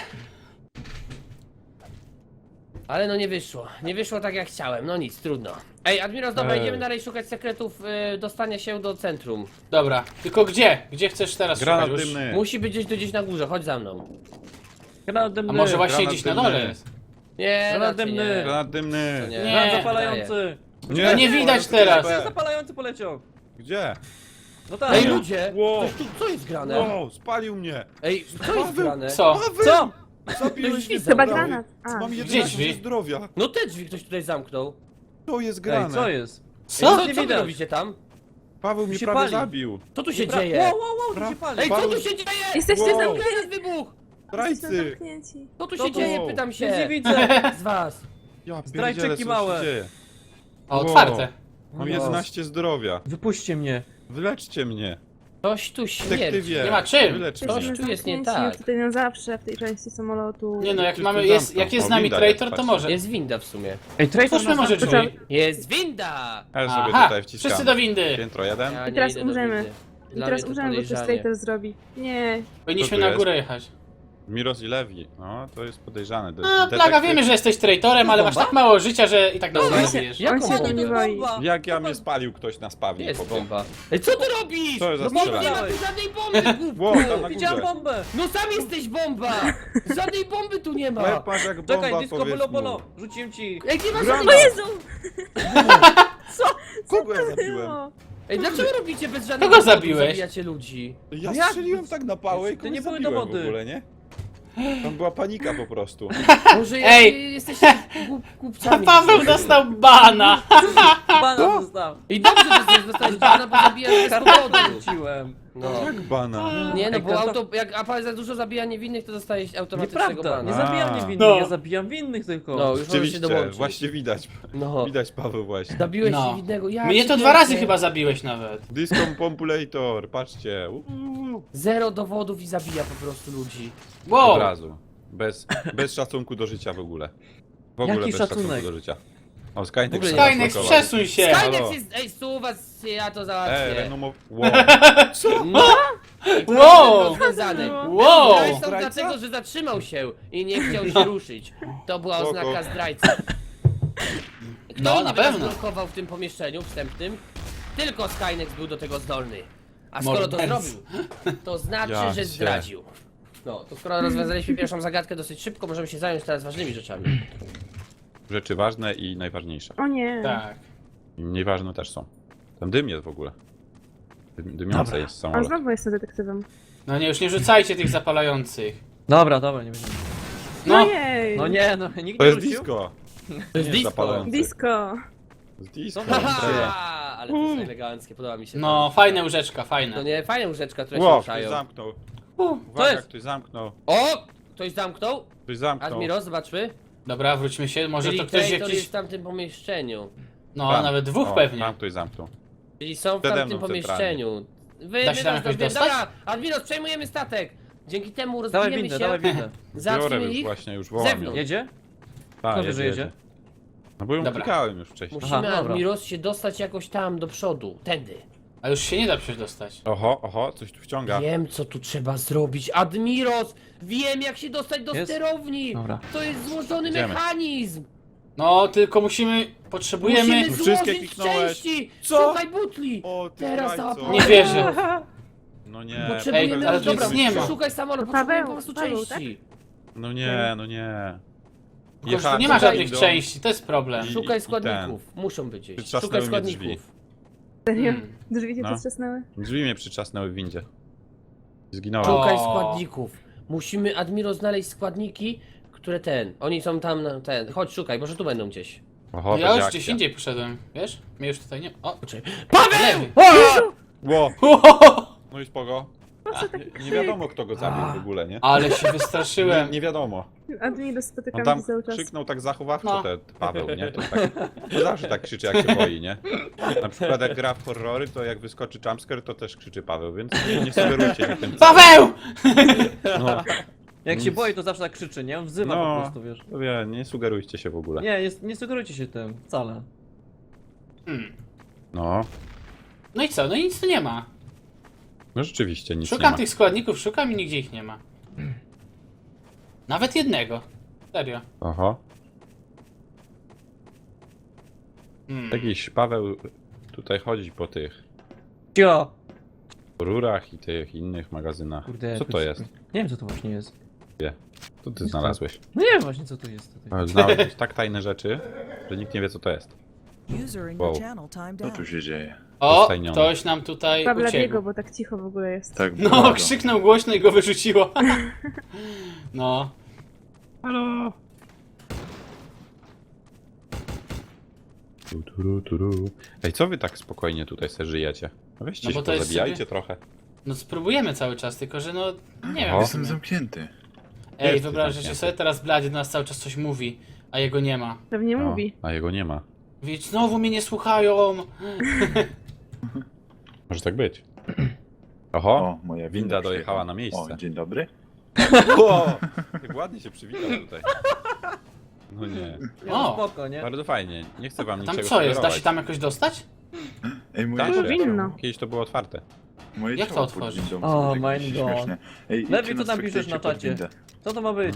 S4: Ale no nie wyszło. Nie wyszło tak jak chciałem, no nic, trudno. Ej, Admiros, dobra,
S2: Ej.
S4: idziemy dalej szukać sekretów y, dostania się do centrum.
S3: Dobra, tylko gdzie? Gdzie chcesz teraz
S2: Granat
S3: szukać? Już?
S2: dymny.
S4: Musi być gdzieś tu gdzieś na górze, chodź za mną.
S1: Granat
S3: A
S1: dymny!
S3: może właśnie
S2: Granat
S3: gdzieś na
S2: dymny.
S3: dole?
S4: Nie,
S1: Granat
S4: raczej
S1: dymny.
S4: nie.
S2: Granat dymny.
S4: To nie.
S1: Granat
S3: Nie.
S1: zapalający!
S2: Nie,
S3: No nie widać teraz.
S1: Granat zapalający poleciał!
S2: Gdzie?
S1: No tak!
S4: Ej, ludzie!
S2: Wow.
S4: Ktoś tu, co jest grane?
S2: Wow, spalił mnie.
S4: Ej, co jest grane?
S3: Co?
S1: Co?
S2: Zabiłeś mnie.
S4: Chyba
S2: prawie.
S5: granat. A.
S2: Mam
S3: Gdzie
S2: jedenaście
S3: drzwi?
S2: zdrowia.
S4: No te drzwi ktoś tutaj zamknął.
S2: To jest grane.
S1: Ej, co jest?
S4: Ej,
S3: Co?
S4: co,
S1: nie
S4: co wy
S1: widać.
S4: robicie tam?
S2: Paweł mnie
S1: się
S2: prawie
S1: pali.
S2: zabił.
S4: Co tu się
S1: Pra-
S4: dzieje?
S1: Wow, wow, wow, tu się pali!
S4: Ej, co
S2: Paweł-
S4: tu się dzieje?
S5: Jesteście
S2: Wow.
S5: zamknięci!
S4: Teraz wybuch!
S5: Jesteście
S2: Zdrajcy.
S5: zamknięci.
S4: Co tu
S1: Co
S4: się
S1: to?
S4: dzieje, pytam
S1: Nic nie
S4: się.
S1: widzę!
S4: Z was.
S2: Ja
S1: Zdrajczyki
S2: pierdzielę, co
S1: małe.
S2: się dzieje.
S3: O,
S2: Wow.
S3: otwarte.
S2: Mam
S1: No.
S2: jedenaście zdrowia.
S1: Wypuśćcie mnie!
S2: Wyleczcie mnie.
S4: Coś tu śmierdzi.
S2: Detektywie.
S3: Nie ma czym.
S2: Wyleczcie
S4: Coś
S2: mnie.
S5: Jesteśmy
S4: tu jest nie
S5: zamknięci
S4: tak.
S5: już tutaj na zawsze w tej części samolotu.
S3: Nie no, jak
S2: Ktoś
S3: mamy,
S2: tu
S3: jest,
S2: zamknął.
S3: jak jest z
S2: O,
S3: nami
S2: winda
S3: traitor,
S2: jest,
S3: to
S2: patrzcie.
S3: może.
S4: Jest winda w sumie.
S1: Ej, traitor
S3: Otwórzmy
S1: nas
S3: może
S1: zapytał-
S3: drzwi.
S4: Jest winda!
S2: Ja sobie
S3: Aha,
S2: tutaj wciskam.
S3: wszyscy do windy.
S2: Piętro jeden.
S4: Ja
S5: I
S4: nie
S5: teraz
S4: idę do
S5: umrzemy.
S4: windy.
S5: I
S4: Dla
S5: teraz
S4: mnie to
S5: umrzemy, bo coś
S4: podejrzanie.
S5: traitor zrobi. Nie.
S3: Powinniśmy
S2: Co tu
S3: na
S2: jest?
S3: górę jechać.
S2: Miros i Lewi. No, to jest podejrzane. De-
S3: No, Plaga,
S2: detektyw-
S3: wiemy, że jesteś traitorem, ale masz
S1: Bomba?
S3: tak mało życia, że i tak nas
S5: właśnie.
S3: zabijesz.
S4: Jak
S5: On się
S4: bomba?
S5: tu nie
S1: To
S5: boi.
S1: bomba!
S2: Jak ja mnie spalił ktoś na spawnie.
S4: Jest
S2: po prostu.
S4: bomba. Ej, co ty robisz?
S2: Co jest za
S4: No bomba, nie
S2: strzelanie?
S4: ma tu żadnej bomby,
S2: Wow,
S4: głupku!
S2: tam na
S1: Widziałem
S2: górze.
S1: bombę!
S4: No sam jesteś bomba! Żadnej bomby tu nie ma!
S2: Łeb masz jak bomba,
S1: Czekaj, disco
S2: powiedz
S1: bolo
S2: mu.
S1: bolo! Rzuciłem ci!
S4: Ej, nie ma
S2: Gra-
S4: żadnej...
S5: O Jezu!
S2: Kogo ja zabiłem?
S5: Było.
S4: Ej, dlaczego robicie bez żadnej
S3: Kogo
S4: bomby,
S3: zabiłeś?
S4: zabijacie ludzi?
S2: Ja
S1: Jak?
S2: strzeliłem tak na pałę i
S1: To
S2: kogoś
S1: nie były
S2: zabiłem
S1: dowody.
S2: w ogóle, nie? Tam była panika po prostu.
S4: Może
S3: Ej!
S4: jesteście głup, głupcami.
S3: Paweł dostał bana!
S1: Bana dostał!
S4: I dobrze, że chcesz dostać bana, bo zabijasz bez
S1: Kartę
S4: powodu.
S1: rzuciłem!
S4: No.
S2: Jak bana?
S4: Nie no,
S1: Ej,
S4: bo
S1: karta-
S4: auto, jak Apal za dużo zabija niewinnych, to dostajesz automatycznego
S1: Nieprawda! Nie
S4: bana.
S1: zabijam
S2: A.
S1: niewinnych,
S3: No.
S1: ja zabijam winnych tylko!
S4: No, już możesz się
S2: Rzeczywiście,
S4: dołączyć.
S2: właśnie widać.
S4: No.
S2: Widać Paweł właśnie.
S4: Zabiłeś
S3: No.
S4: niewinnego, ja
S3: Mnie
S4: cię
S3: to dwa razy
S4: kręcę.
S3: chyba zabiłeś nawet.
S2: Disco Pompulator, patrzcie. Uuu.
S4: Zero dowodów i zabija po prostu ludzi.
S3: Wow!
S2: Od razu. Bez, bez szacunku do życia w ogóle. W ogóle
S1: Jaki
S2: bez
S1: szacunek?
S2: szacunku do życia. O, Skynex
S4: W ogóle
S2: się
S4: nie.
S3: Skynex,
S2: zablokował.
S3: przesuń się!
S2: Halo.
S4: Skynex jest, ej, suwa, ja to
S2: Ej,
S4: załatwię.
S2: renomo... Wow.
S4: No!
S3: Wow!
S4: Rozwiązany.
S3: Wow!
S4: Zdrajcą
S2: Zdrajca?
S4: dlatego, że zatrzymał się i nie chciał się ruszyć. To była
S2: Spoko.
S4: oznaka zdrajcy. Kto
S3: No,
S4: no,
S3: na
S4: na
S3: pewno.
S4: blokował w tym pomieszczeniu wstępnym? Tylko Skynex był do tego zdolny. A skoro to
S3: Mordercy.
S4: zrobił, to znaczy,
S2: Ja
S4: że
S2: cię.
S4: zdradził. No, to skoro rozwiązaliśmy pierwszą zagadkę dosyć szybko, możemy się zająć teraz ważnymi rzeczami.
S2: Rzeczy ważne i najważniejsze.
S5: O nie.
S3: Tak.
S2: I mniej ważne też są. Tam dym jest w ogóle. Dym, dymiące
S3: Dobra.
S2: jest
S5: On
S2: samolot.
S5: znowu jest detektywem.
S3: No nie, już nie rzucajcie tych zapalających.
S1: Dobra, dobra, nie będziemy.
S5: No
S3: No,
S5: jej!
S1: No nie, no nikt
S2: To
S1: nie
S2: jest
S1: rzucił?
S2: disco.
S4: To jest
S2: Nie
S4: disco.
S2: zapalający.
S5: Disco!
S2: Z disco.
S1: Dobra.
S4: Haha, ale to jest eleganckie, podoba mi się
S3: no,
S4: to.
S3: fajne łóżeczka,
S4: To
S3: fajne.
S4: nie, fajne łóżeczka, które się
S2: Wow, ktoś
S4: ruszają.
S2: zamknął.
S3: Uh,
S2: Uwaga,
S1: jest?
S2: ktoś zamknął.
S4: O! Ktoś zamknął?
S2: Ktoś zamknął.
S4: Admiro, zobaczmy.
S3: Dobra, wróćmy się, może
S4: Czyli
S3: to ktoś
S4: traitor
S3: jakiś...
S4: jest w tamtym pomieszczeniu.
S3: No,
S2: Tam.
S3: nawet dwóch
S2: O,
S3: pewnie.
S2: Tam ktoś zamknął.
S4: Czyli są w
S2: Przede
S4: tamtym
S2: mną
S4: pomieszczeniu. Wy,
S3: Da się
S4: my
S3: tam
S4: nas
S3: jakoś
S4: dowie-
S3: dostać?
S4: Dobra, Admiros, przejmujemy statek. Dzięki temu
S1: Dawaj
S4: rozbijemy
S1: windę,
S4: się.
S1: dawaj windę.
S2: Biorę
S4: Zamknijmy
S2: już
S4: ich.
S2: właśnie, już wołam.
S4: Zewnątrz.
S2: ją.
S1: Jedzie?
S2: Tak,
S1: Kto wie, że jedzie?
S2: No bo ją
S3: Dobra.
S2: klikałem już wcześniej.
S4: Musimy,
S1: Aha, dobra.
S4: Admiros, się dostać jakoś tam do przodu. Tędy.
S3: A już się nie da przecież dostać.
S2: Oho, oho, coś tu wciąga.
S4: Wiem, co tu trzeba zrobić. Admiros! Wiem, jak się dostać do
S1: Jest?
S4: sterowni!
S1: Dobra.
S4: To jest złożony
S2: Idziemy.
S4: mechanizm!
S3: No, tylko musimy... Potrzebujemy...
S4: Musimy
S2: Wszystkie
S4: złożyć
S2: kliknąłeś.
S4: części!
S2: Co?
S4: Szukaj butli!
S2: O, ty
S4: Teraz
S2: zdrajco.
S4: załapałem.
S3: Nie wierzę.
S2: No nie.
S4: Potrzebujemy,
S3: Ej, ale tu
S4: dobra,
S3: nic nie ma.
S4: szukaj samolot,
S5: Paweł,
S4: potrzebujemy po prostu
S5: Paweł,
S4: części.
S2: No nie, no nie.
S3: Tylko, że tu
S2: Jechałem
S3: nie ma
S2: za
S3: żadnych
S2: windą.
S3: części, to jest problem.
S2: I-
S4: Szukaj
S2: i
S4: składników, muszą być gdzieś.
S2: Przytrzasnęły
S4: Szukaj
S2: mnie
S4: składników.
S5: Serio?
S3: Hmm.
S5: Drzwi cię
S2: No.
S5: potrzasnęły?
S2: Drzwi mnie przyczasnęły w windzie. Zginąłem.
S3: O.
S4: Szukaj składników. Musimy, Admiro, znaleźć składniki, które ten. Oni są tam na ten. Chodź, szukaj, może tu będą gdzieś.
S2: Oho,
S3: No ja
S2: będzie
S3: już
S2: akcja.
S3: gdzieś indziej poszedłem, wiesz? Mnie już tutaj nie... O,
S4: Paweł!
S3: lewy.
S2: Ło! No i spoko. Nie, nie wiadomo kto go zabił w ogóle, nie?
S3: Ale się
S2: Nie,
S3: wystraszyłem.
S2: nie wiadomo.
S5: A ty nie spotykam
S2: On tam
S5: się cały czas.
S2: krzyknął tak zachowawczo
S3: No.
S2: ten Paweł, nie? To, tak, to zawsze tak krzyczy jak się boi, nie? Na przykład jak gra w horrory, to jak wyskoczy jumpscare, to też krzyczy Paweł, więc nie, nie sugerujcie mi tym.
S3: Paweł!
S2: No,
S1: Jak się
S2: Nic.
S1: boi, to zawsze tak krzyczy, nie? On wzywa
S2: No.
S1: po prostu, wiesz.
S2: to wie, nie sugerujcie się w ogóle.
S1: Nie, jest, nie sugerujcie się tym, wcale.
S3: Hmm.
S2: No,
S3: No i co? No i nic tu nie ma.
S2: no rzeczywiście nic nie
S3: Szukam
S2: ma.
S3: tych składników, szukam i nigdzie ich nie ma. Nawet jednego. Serio.
S2: Oho.
S3: Hmm.
S2: Jakiś Paweł tutaj chodzi po tych
S1: Cio!
S2: rurach i tych innych magazynach.
S1: Kurde,
S2: Co to
S1: jakoś-
S2: jest?
S1: Nie wiem, co to właśnie jest.
S2: Co ty znalazłeś?
S1: No nie wiem właśnie, co to jest tutaj.
S2: Ale znalazłeś tak tajne rzeczy, że nikt nie wie co to jest.
S7: User in
S2: Wow.
S7: your channel timed
S6: Co
S7: out.
S6: tu się dzieje?
S3: O,
S2: Dostajniony.
S3: ktoś nam tutaj
S5: Pawla
S3: uciekł.
S5: biego, bo tak cicho w ogóle jest.
S6: Tak,
S3: No,
S6: bardzo.
S3: krzyknął głośno i go wyrzuciło. No.
S2: Halo! Tu, tu, tu, tu. Ej, co wy tak spokojnie tutaj se żyjecie? No weźcie
S3: No bo
S2: się,
S3: to jest
S2: pozabijajcie
S3: sobie-
S2: trochę.
S3: No spróbujemy cały czas, tylko że no... Nie wiem.
S2: O.
S6: Jestem zamknięty.
S3: Ej,
S2: Jesteś
S3: wyobraźcie
S2: zamknięty.
S3: sobie, teraz Blady do nas cały czas coś mówi, a jego nie ma.
S5: Pewnie
S2: O,
S5: mówi.
S2: a jego nie ma.
S3: Więc znowu mnie nie słuchają.
S2: Może tak być. Oho!
S6: O, moja winda,
S2: winda dojechała
S6: przyjechała.
S2: na miejsce.
S6: O, dzień dobry.
S2: O! Jak ładnie się przywitał tutaj. No nie.
S1: No
S3: O.
S1: spoko, nie?
S2: Bardzo fajnie. Nie chcę wam
S3: Tam
S2: niczego
S3: co jest? Da
S2: sugerować.
S3: się tam jakoś dostać?
S6: Ej, moje
S2: Da
S5: To
S2: się.
S5: powinno.
S2: Kiedyś to było otwarte.
S6: Moje
S3: Jak to
S6: ciało pod
S3: otworzyć?
S6: windą
S1: O,
S6: są tak
S1: my God.
S6: śmieszne. Ej,
S1: Lepiej,
S6: idźcie
S1: co
S6: nas
S1: tam piszesz
S6: wykryjcie
S1: na
S6: pod
S1: czacie?
S6: windę.
S1: Co to ma być?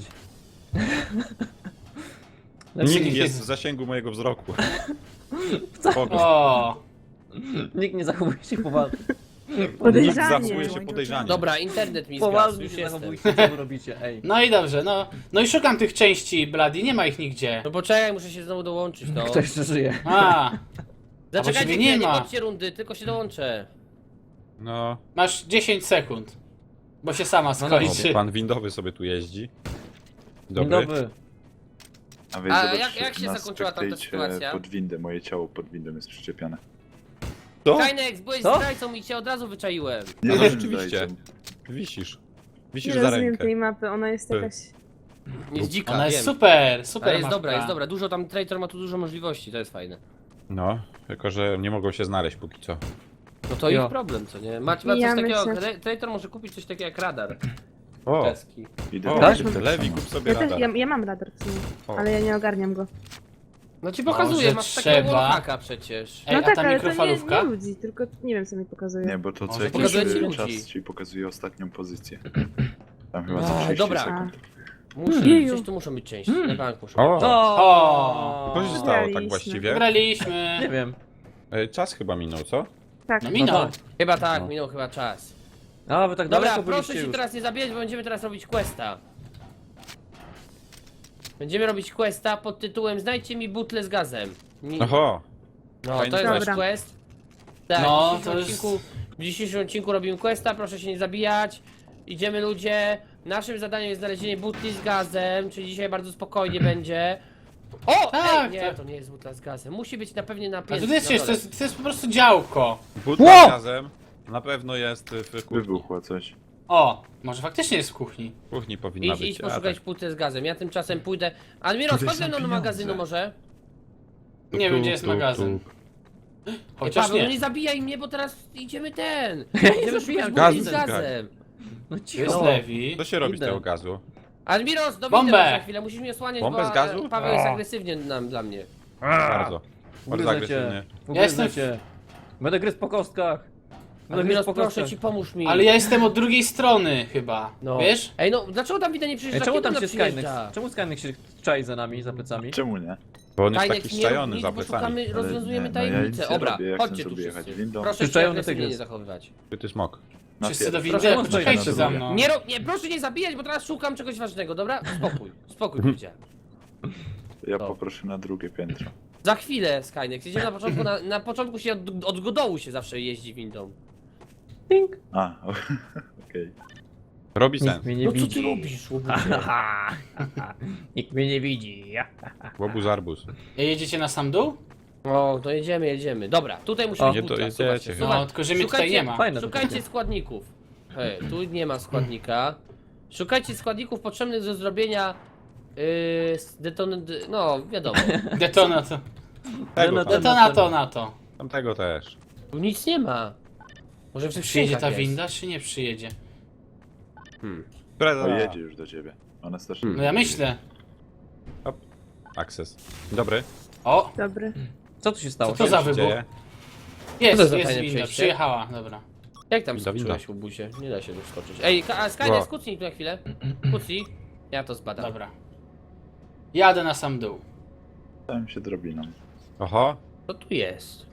S2: Nikt
S3: nikt
S2: jest
S3: nie-
S2: w zasięgu mojego wzroku.
S1: Co?
S2: Spoko.
S3: O,
S1: Nikt nie zachowuje się poważnie.
S2: Nikt
S5: Podejrzanie.
S2: zachowuje się podejrzanie.
S4: Dobra, internet mi zgasł,
S1: Poważnie
S4: już
S1: się
S4: jestem.
S1: zachowujcie, co wy robicie, ej.
S3: no i dobrze, no. No i szukam tych części Blady, nie ma ich nigdzie.
S4: No poczekaj, muszę się znowu dołączyć, no.
S1: Kto jeszcze żyje?
S3: A,
S4: Zaczekajcie,
S3: ciebie
S4: nie,
S3: nie
S4: nie
S3: ma.
S4: bądźcie rundy, tylko się dołączę.
S2: No,
S3: masz dziesięć sekund. Bo się sama
S2: o,
S3: skończy.
S2: pan windowy sobie tu jeździ.
S1: Dzień
S2: Dobry.
S1: dobry.
S6: A wy
S4: A
S6: zobaczcie,
S4: jak- jak się
S6: nas
S4: zakończyła tamta
S6: wykryjcie
S4: sytuacja?
S6: pod windę, moje ciało pod windą jest przyczepione.
S2: Co?
S4: Kajnex, byłeś
S1: Co?
S4: zdrajcą i cię od razu wyczaiłem.
S6: Nie
S2: No
S6: wiem,
S2: rzeczywiście.
S6: zdrajcą.
S2: Wisisz.
S5: Nie
S2: Wisisz za
S5: rozumiem
S2: rękę.
S5: tej mapy, ona jest
S2: Ty.
S5: jakaś...
S4: Jest dzika,
S3: Ona jest
S4: wiem.
S3: super, super
S4: Ale jest
S3: mapka.
S4: dobra, jest dobra. Dużo tam, Traitor ma tu dużo możliwości, to jest fajne.
S2: No, tylko że nie mogą się znaleźć póki co.
S4: No to
S1: Jo.
S4: ich problem, co nie? Macie ma coś
S5: Mijamy
S4: takiego,
S5: się.
S4: Tra- Traitor może kupić coś takiego jak radar.
S2: O,
S4: Czeski.
S6: Idę
S2: o
S6: tak?
S2: Lewi, kup sobie
S5: Ja, też,
S2: radar.
S5: ja, ja mam radar w sumie,
S2: O.
S5: ale ja nie ogarniam go.
S4: No ci pokazuję,
S3: Może
S4: masz takiego
S3: trzeba?
S4: wallhacka przecież.
S3: Ej,
S5: No
S3: a
S5: tak,
S3: ta
S5: ale to nie,
S3: mikrofalówka?
S5: nie ludzi, tylko nie wiem co mi pokazuje.
S6: Nie, bo to co
S3: Może
S6: jakiś
S4: pokazuje ci
S6: e,
S4: ludzi.
S6: czas ci pokazuje ostatnią pozycję. Tam chyba
S4: A,
S6: za trzydzieści
S4: dobra.
S6: sekund.
S4: Muszę,
S5: Jeju.
S4: gdzieś tu muszą być części, na bank muszą
S2: O.
S4: być.
S3: O.
S2: Co się stało tak
S5: Wygraliśmy.
S2: właściwie?
S3: Wygraliśmy.
S1: Nie wiem.
S2: E, Czas chyba minął, co?
S5: Tak.
S3: No minął.
S1: No tak.
S4: Chyba tak,
S2: No.
S4: minął chyba czas.
S1: A, wy tak
S4: Dobra,
S1: daleko
S4: proszę
S1: byliście
S4: się
S1: już.
S4: teraz nie zabijać, bo będziemy teraz robić questa. Będziemy robić questa pod tytułem Znajdźcie mi butlę z gazem. Nie-
S2: Oho,
S4: No,
S2: fajny
S4: to jest nasz
S5: Dobra.
S4: quest. Tak,
S3: No,
S4: w, dzisiejszym
S3: to jest-
S4: odcinku, w dzisiejszym odcinku robimy questa, proszę się nie zabijać. Idziemy ludzie. Naszym zadaniem jest znalezienie butli z gazem, czyli dzisiaj bardzo spokojnie będzie. O!
S3: Tak,
S4: Ej, nie,
S3: tak.
S4: to nie jest butla z gazem. Musi być na pewnie na
S3: A
S4: piętrze.
S3: to jest,
S4: na
S3: jest, to
S4: dole.
S3: jest, to jest po prostu działko.
S2: butla
S1: Ło!
S2: z gazem na pewno jest w kuchni.
S6: Wybuchło coś.
S3: O, może faktycznie jest w kuchni.
S2: W kuchni powinna
S4: Idź,
S2: być.
S4: idź
S2: a
S4: poszukać
S2: tak.
S4: butlę z gazem. Ja tymczasem pójdę. Admiro,
S6: Tutaj
S4: chodź
S6: są
S4: ze mną do
S6: pieniądze.
S4: magazynu może.
S2: Tu,
S3: Nie
S2: tu,
S3: wiem, gdzie jest
S2: tu,
S3: magazyn.
S2: tu.
S4: Ej,
S3: Chociaż
S4: Paweł, no
S3: nie.
S4: nie zabijaj mnie, bo teraz idziemy ten.
S1: nie
S4: Idziemy
S1: zabijam,
S4: szukać butli z
S2: gaz-
S4: gazem.
S1: No
S3: Tu jest
S1: cicho.
S3: Lewi.
S2: Co się robi z
S1: Idę.
S2: tego gazu?
S4: Admiros, do
S3: Bombę!
S4: windy za chwilę, musisz mnie osłaniać,
S2: Bombę
S4: bo
S2: z gazu?
S4: e, Paweł jest
S2: O.
S4: agresywnie nam, dla mnie.
S2: Bardzo. Bardzo
S1: Ugryzę
S2: agresywnie.
S1: cię.
S3: Ja jestem
S1: Ugryzę cię. Będę gryzł po kostkach. Będę gryzł
S4: Admiros,
S1: po
S4: proszę
S1: kostkach.
S4: ci, pomóż mi.
S3: Ale ja jestem od drugiej strony chyba.
S4: No.
S3: Wiesz?
S4: Ej, no, dlaczego tam widać nie
S1: Ej,
S4: przyjeżdża?
S1: czemu
S4: Kiedy
S1: tam
S4: ona
S1: się Skynex?
S4: przyjeżdża?
S1: Czemu Skynex się czai za nami, za plecami?
S6: Czemu nie?
S2: Bo on jest
S4: Kajnex,
S2: taki
S4: nie rób
S2: szczajony
S4: nic,
S2: za
S4: bo
S2: plecami.
S4: szukamy,
S6: Ale
S4: rozwiązujemy
S6: nie, no ja
S4: tajemnicę.
S6: nic nie
S4: Dobra,
S6: robię, ja
S4: chodźcie
S6: chcę
S4: tu
S6: sobie jechać
S4: wszyscy.
S6: windą.
S4: Proszę się
S1: Przyczajony
S4: agresywnie
S1: tygrys.
S4: nie zachowywać.
S2: Ty smok.
S6: Na
S3: Wszyscy do
S6: pierwszy.
S3: windy,
S1: Proszę,
S3: poczekajcie
S1: proszę,
S3: za
S1: proszę.
S3: mną.
S4: Nie, ro, nie, proszę nie zabijać, bo teraz szukam czegoś ważnego, dobra? Spokój, spokój, powiedziałem.
S6: Ja
S4: No.
S6: poproszę na drugie piętro.
S4: Za chwilę, Skynex, jedziemy na początku, na, na początku się od, od dołu się zawsze jeździ windą.
S1: Tink.
S6: A, okej.
S2: Robi
S1: Nikt
S2: sens.
S1: mnie nie
S4: No co ty
S1: widzi.
S4: robisz, łobuzie?
S1: Nikt mnie nie widzi.
S2: Łobuz arbuz.
S7: Jedziecie na sam dół?
S4: O, to jedziemy, jedziemy. Dobra, tutaj musi
S1: O,
S4: być
S2: nie
S4: butla,
S2: dojedziecie
S4: słuchajcie,
S2: chyba.
S4: słuchaj,
S7: No, tylko że mnie tutaj
S4: szukajcie-
S7: nie ma.
S1: Fajne to
S4: Szukajcie
S1: takie.
S4: składników. Hej, tu nie ma składnika. Szukajcie składników potrzebnych do zrobienia yy, deton... no wiadomo.
S7: Detonato.
S2: Tego
S1: no
S2: tam.
S1: to-
S7: Detonato na to.
S2: Tamtego też.
S4: Tu nic nie ma. Może w tych
S7: Przyjedzie
S4: skrzynkach
S7: ta
S4: jest.
S7: winda, czy nie przyjedzie?
S2: Które
S6: O, jedzie już do ciebie. Ona strasznie...
S7: No ja myślę.
S2: Access. Dobry.
S7: O,
S5: Dobry.
S1: Co tu się stało?
S7: Co to za
S2: Co się
S7: wybuch?
S2: dzieje?
S7: Jest,
S4: to za
S7: jest
S4: fajne
S7: winda,
S4: przejście?
S7: przyjechała, dobra.
S4: Jak tam
S2: Winda, winda.
S4: skoczyłeś, łobuzie? Nie da się tu skoczyć. Ej, Ka- a Skynet,
S2: Wow.
S4: skucnij tu na chwilę. Kucnij. Ja to zbadam.
S7: Dobra. Jadę na sam dół.
S6: Stałem się drobiną.
S2: Oho.
S4: Co tu jest?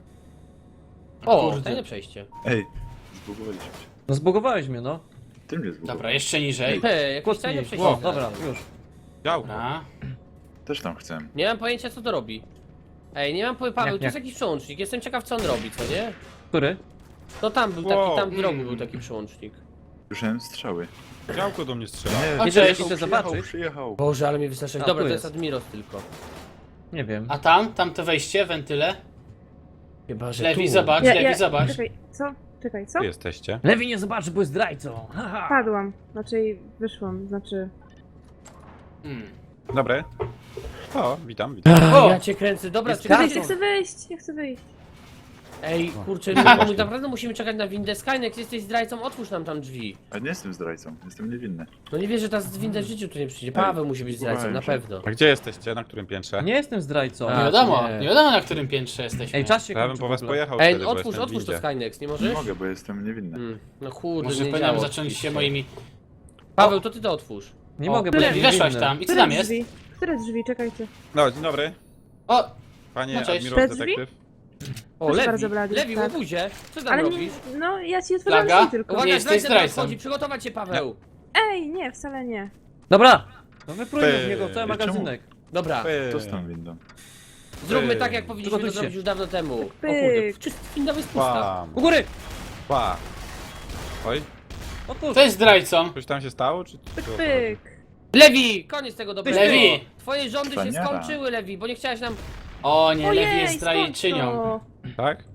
S4: O,
S7: Kurde.
S4: tajne przejście.
S6: Ej, zbugowaliśmy się.
S1: No zbugowałeś mnie, no.
S6: Ty mnie zbugowałeś.
S7: Dobra, jeszcze niżej.
S4: Hej, jakieś tajne
S1: Kłócnij.
S4: przejście.
S1: O, dobra, już.
S2: Działko.
S7: Dobra.
S6: Też tam chcę.
S4: Nie mam pojęcia co to robi. Ej, nie mam pojęcia, Paweł,
S1: Jak,
S4: tu jest
S1: jak?
S4: jakiś przełącznik, jestem ciekaw co on robi, co nie?
S1: Który?
S4: No tam był taki,
S2: Wow.
S4: tam w rogu był taki przełącznik.
S6: Słyszałem strzały.
S2: Działko do mnie strzela.
S7: A
S1: Idę,
S7: cześć.
S1: idę
S6: przyjechał,
S1: zobaczyć.
S6: przyjechał.
S4: Boże, ale mnie wystraszyłeś.
S1: A,
S4: Dobra,
S1: tu
S4: to jest
S1: jest.
S4: Admiros tylko.
S1: Nie wiem.
S7: A tam, tam to wejście, wentyle.
S4: Chyba, że
S7: Lewi,
S4: tu.
S7: zobacz,
S5: Ja,
S7: lewi,
S5: ja,
S7: zobacz.
S5: czekaj, co? Czekaj, co?
S2: Tu jesteście.
S1: Lewi nie zobaczy, bo jest zdrajcą. Haha.
S5: Padłam. Znaczy wyszłam, znaczy...
S7: Hmm.
S2: Dobry. O, witam, witam.
S7: O!
S4: Ja cię kręcę, dobra,
S1: Jest
S4: czekaj.
S5: Ja chcę wyjść, ja chcę wyjść.
S4: Ej, kurczę,
S2: No.
S4: my, my naprawdę musimy czekać na windę. Skynet, jesteś zdrajcą, otwórz nam tam drzwi.
S6: A nie jestem zdrajcą, jestem niewinny.
S4: No nie wierzę, że ta winda w życiu tu nie przyjdzie. Paweł musi być zdrajcą, na
S6: zgubiłem się.
S4: pewno.
S2: A gdzie jesteście? Na którym piętrze?
S1: Nie jestem zdrajcą.
S4: A,
S7: Nie wiadomo,
S4: nie.
S7: nie wiadomo na którym piętrze jesteśmy.
S1: Ej, czas się
S2: Ja bym
S1: kończy
S2: po
S1: w
S2: was
S1: ogóle.
S2: pojechał
S4: Ej,
S2: wtedy, bo
S4: otwórz,
S2: jestem w
S4: otwórz to
S2: windzie.
S4: Skynex, nie
S6: Nie
S4: możesz?
S6: mogę, bo jestem niewinny.
S4: Mm, no kurde,
S7: Może
S4: nie
S7: powinienem
S4: działa
S7: zacząć się
S4: oczywiście.
S7: moimi...
S4: Paweł, to ty to otwórz.
S1: Nie
S7: O,
S1: mogę, bo
S7: Lewi,
S1: lewi
S7: weszłaś
S1: winny.
S7: tam. I co
S5: Które
S7: tam jest?
S5: drzwi? Które drzwi? Czekajcie.
S2: No, dzień dobry.
S7: O!
S2: Panie
S7: No, cześć.
S2: Admiros
S5: Te drzwi?
S2: Detektyw.
S4: O,
S5: Proszę
S4: Lewi,
S5: bardzo, Blady,
S4: Lewi,
S5: tak.
S4: łobuzie, co tam
S5: Ale nie,
S4: robisz?
S5: no ja ci otworzyłam
S7: Flaga?
S5: drzwi tylko.
S7: Uwaga.
S4: Uwaga,
S7: jesteś
S4: zdrajca tam
S7: zdrajcą.
S4: wchodzi, przygotować się, Paweł.
S5: Ej, nie, wcale nie.
S1: Dobra. No wyprójmy
S2: Ty,
S1: w niego cały
S6: czemu?
S1: magazynek.
S4: Dobra,
S2: Ej.
S6: To z tą windą.
S4: zróbmy
S2: Ej.
S4: tak, jak powinniśmy to
S1: Przygotujcie.
S4: zrobić już dawno temu. O
S5: Pyk.
S4: kurde, czysta winda jest pusta.
S2: Pam.
S1: U góry!
S2: Pa. Oj,
S1: Otwórz.
S7: Kto jest zdrajcą?
S2: coś tam się stało, czy...
S5: Pyk,
S2: co?
S5: pyk.
S4: Lewi, koniec tego dobrego.
S7: Lewi.
S4: Twoje rządy się
S6: Wspaniale.
S4: skończyły, Lewi, bo nie chciałeś nam...
S7: O nie, Lewi
S5: Ojej,
S7: jest zdrajczynią.
S5: skąd
S2: Tak?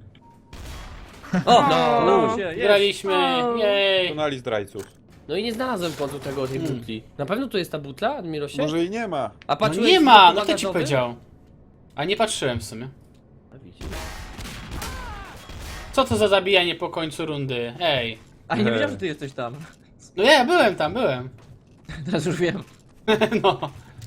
S1: O,
S5: No.
S1: udało się, jest.
S7: Graliśmy,
S5: O.
S7: jej.
S2: Tunali zdrajców.
S4: No i nie znalazłem w końcu tego, tej butli. Na pewno tu jest ta butla, Admirosie?
S2: Może i nie ma.
S4: A
S7: No
S4: patrzyłeś
S7: nie
S4: w
S7: ma,
S4: bloku
S7: no kto ci
S4: bagażowym?
S7: powiedział? A nie patrzyłem w sumie.
S4: A widzisz.
S7: Co to za zabijanie po końcu rundy? Ej.
S1: A nie wiedziałem, że ty jesteś tam.
S7: No ja byłem tam, byłem.
S1: Teraz już wiem.
S7: No,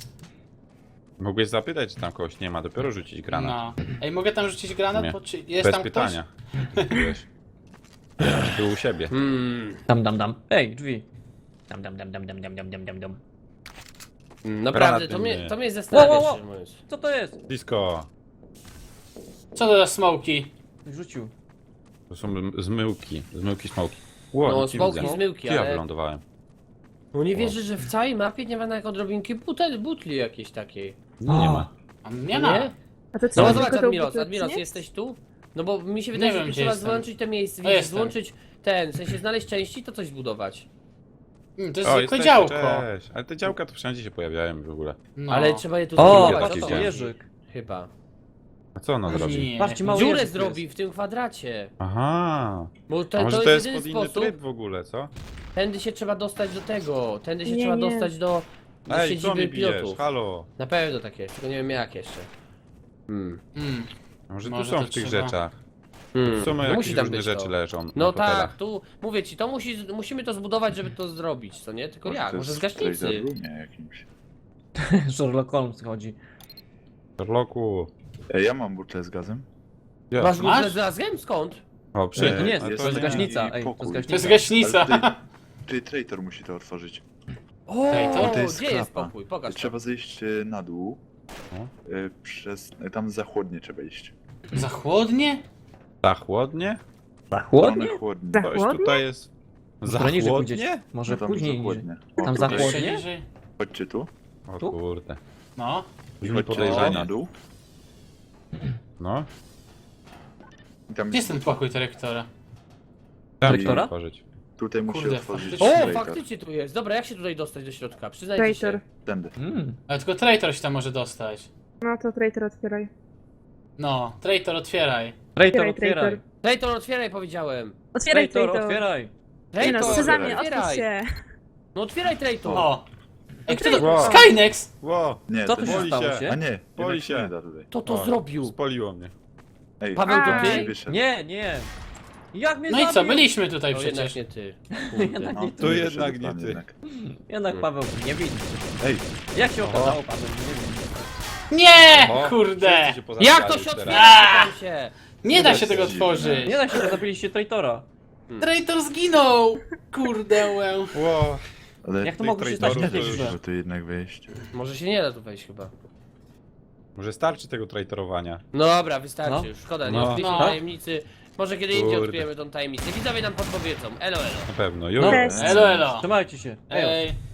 S2: Mogłeś zapytać, czy tam kogoś nie ma, dopiero rzucić granat.
S7: no. Ej, mogę tam rzucić granat?
S2: Nie.
S7: Bo czy jest
S2: Bez
S7: tam
S2: pytania. Byłeś. Był u siebie.
S4: Hmm.
S1: Dam, dam, dam. Ej, drzwi. Dam, dam, dam, dam, dam, dam, dam, dam, dam, dam.
S4: Naprawdę, to
S2: Granaty
S4: mnie,
S2: nie.
S4: to mnie zastanawia,
S1: Wow, wow, wow.
S4: szczerze mówiąc.
S1: Co to jest?
S2: Blisko.
S7: ktoś? Co to za smoki?
S1: Rzucił.
S2: To są zmyłki. Zmyłki, smoki. Ło,
S4: No,
S2: nic nie
S4: smoki,
S2: widzę.
S4: zmyłki,
S2: Gdzie ja
S4: ale...
S2: wylądowałem?
S4: No nie wierzę, że w całej mapie nie ma nawet odrobinki butel, butli jakiejś takiej.
S2: No, nie ma.
S7: A nie ma.
S4: Nie?
S5: A to co?
S4: No
S5: tylko
S4: zobacz,
S5: tą
S4: Admiros,
S5: butlę
S4: Admiros,
S5: przynieść?
S4: jesteś tu? No bo mi się wydaje,
S7: Nie
S4: że
S7: wiem,
S4: tu
S7: gdzie
S4: trzeba
S7: jestem.
S4: złączyć te miejsce,
S7: O,
S4: wiesz,
S7: jestem.
S4: złączyć ten, w sensie znaleźć części, to coś zbudować.
S7: Hmm, to jest
S2: O,
S7: zwykłe
S2: jesteście,
S7: działko.
S2: cześć. Ale te działka to wszędzie się pojawiają w ogóle.
S7: No.
S4: Ale trzeba je tu
S1: O,
S4: zbudować.
S2: patrz,
S4: to
S2: to
S4: chodzi.
S1: jeżyk.
S4: Chyba.
S2: A co ona zrobi?
S7: Nie.
S1: Patrzcie, mały
S4: Dziurę
S1: jeżyk
S4: zrobi
S1: jest.
S4: w tym kwadracie.
S2: Aha.
S4: Bo to,
S2: A może
S4: to
S2: to
S4: jest
S2: jest pod
S4: jedyny
S2: inny
S4: sposób.
S2: tryb w ogóle, co?
S4: Tędy się trzeba dostać do tego. Tędy się
S5: Nie,
S4: trzeba
S5: nie.
S4: dostać do, do
S2: Ej, co
S4: siedziby
S2: mi bijesz?
S4: pilotów.
S2: Halo.
S4: Na pewno takie, tylko nie wiem jak jeszcze. Hmm.
S7: Hmm.
S2: A może tu
S7: Może
S2: są
S7: to
S2: w tych
S7: trzeba-
S2: rzeczach?
S4: Hmm.
S2: Są
S4: No
S2: jakieś
S4: musi tam
S2: różne
S4: być
S2: rzeczy
S4: to.
S2: leżą
S4: No
S2: na
S4: tak,
S2: fotelach.
S4: tu mówię ci, to musi, musimy to zbudować, żeby to zrobić, co nie? Tylko jak?
S6: to
S4: Może z
S6: jest w
S4: gaśnicy?
S6: Trader Roomie jakimś.
S1: Sherlock Holmes chodzi.
S2: Sherlocku.
S6: Ej, ja mam butlę z gazem.
S2: Ja.
S4: Masz
S7: Masz?
S4: butlę z razem? Skąd?
S2: O, przyjechał.
S1: Nie, nie,
S2: A
S1: to jest
S2: nie-
S1: gaśnica.
S6: i
S1: Ej, to
S6: pokój.
S1: jest
S7: To jest
S1: gaśnica.
S7: gaśnica.
S6: Ale ty, ty traitor musi to otworzyć.
S4: O,
S7: Ej, to-
S6: To jest
S4: gdzie jest
S6: klapa.
S4: pokój? Pokaż.
S6: Trzeba zejść e, na dół.
S2: No.
S6: E, Przez... e, Tam za chłodnie trzeba iść.
S7: Za chłodnie?
S2: Za chłodnie?
S1: Za
S6: Stronę
S1: chłodnie?
S6: chłodnie.
S5: Za
S2: Ktoś
S5: chłodnie?
S2: tutaj jest. Za
S1: Trochę niżej
S2: chłodnie?
S1: pójdziecie. Może
S6: No tam
S1: później
S6: za
S1: niżej.
S6: chłodnie. O,
S1: Tam za
S6: tutaj.
S1: chłodnie?
S7: Jeszcze niżej?
S6: Chodźcie tu.
S2: O
S1: Tu?
S2: kurde.
S7: No.
S6: I
S2: Brzmi
S6: chodźcie
S2: podejrzanie.
S6: na dół.
S2: No.
S6: I tam
S7: Gdzie jest ten pokój dyrektora?
S2: Tam
S1: Dyrektora?
S2: otworzyć.
S6: Tutaj musi
S7: Kurde,
S6: otworzyć
S7: faktycznie.
S4: O,
S6: traitor.
S4: faktycznie tu jest. Dobra, jak się tutaj dostać do środka? Przyznajcie
S5: Traitor.
S4: się.
S6: Tędy.
S1: Mm.
S7: Ale tylko traitor się tam może dostać.
S5: No to traitor otwieraj.
S7: No, traitor otwieraj.
S1: Traitor,
S5: Otwieraj,
S1: otwieraj.
S4: Traitor, otwieraj, powiedziałem.
S5: Otwieraj
S1: Traitor,
S5: traitor.
S1: otwieraj.
S5: Nie no,
S4: Traitor,
S5: Sezamie,
S4: otwieraj.
S5: otwórz się.
S4: No otwieraj traitor.
S7: O! Ej, kto to?
S2: Wow.
S7: Skynex!
S2: Ło,
S6: Nie,
S1: Co
S6: to
S1: tu
S6: nie.
S1: się
S2: boi
S1: stało
S2: się.
S6: A
S1: się?
S6: nie,
S2: Boi
S6: boi
S2: się.
S6: się. Da tutaj.
S4: Kto to
S2: O,
S4: zrobił?
S2: Spoliło mnie.
S6: Ej,
S4: Paweł, to
S5: Aj.
S4: ty?
S6: wyszedł.
S1: Nie, nie. Jak mnie
S7: No i co,
S1: zabił?
S7: byliśmy tutaj
S4: No jednak
S7: przecież.
S4: nie ty.
S1: Jednak
S6: No,
S1: nie
S2: To
S1: ty.
S6: nie
S2: jednak
S6: wyszedł
S2: nie
S6: pan
S2: ty.
S6: jednak.
S1: Jednak Paweł, nie widzi.
S6: Ej,
S1: Jak się okazało, Paweł, nie wiem.
S7: Nie!
S2: O,
S7: Kurde!
S2: wszyscy się pozabijali
S4: Jak to się
S2: teraz.
S4: otwiera?
S7: A!
S4: Pytam się.
S7: Nie da się tego
S6: Dziwne.
S7: otworzyć!
S1: Nie da się, że zabiliście traitora.
S7: Traitor zginął! Kurde, łę.
S2: Ło,
S6: ale
S1: Jak to
S2: tych
S1: mogło się stać
S2: traitorów
S1: takie
S2: to już-
S1: źle?
S6: może tu jednak wejść.
S4: Może się nie da tu wejść chyba.
S2: może starczy tego traitorowania.
S4: No dobra, wystarczy
S1: No.
S4: już. Szkoda, nie
S2: No.
S4: odkryliśmy
S7: No.
S4: tajemnicy. Może kiedy indziej
S2: Kurde.
S4: odkryjemy tą tajemnicę. Widzowie nam podpowiedzą. Elo, elo.
S2: Na pewno. Już.
S1: No.
S5: Cześć.
S7: Elo, elo.
S1: Trzymajcie się. Ej.
S7: Ej.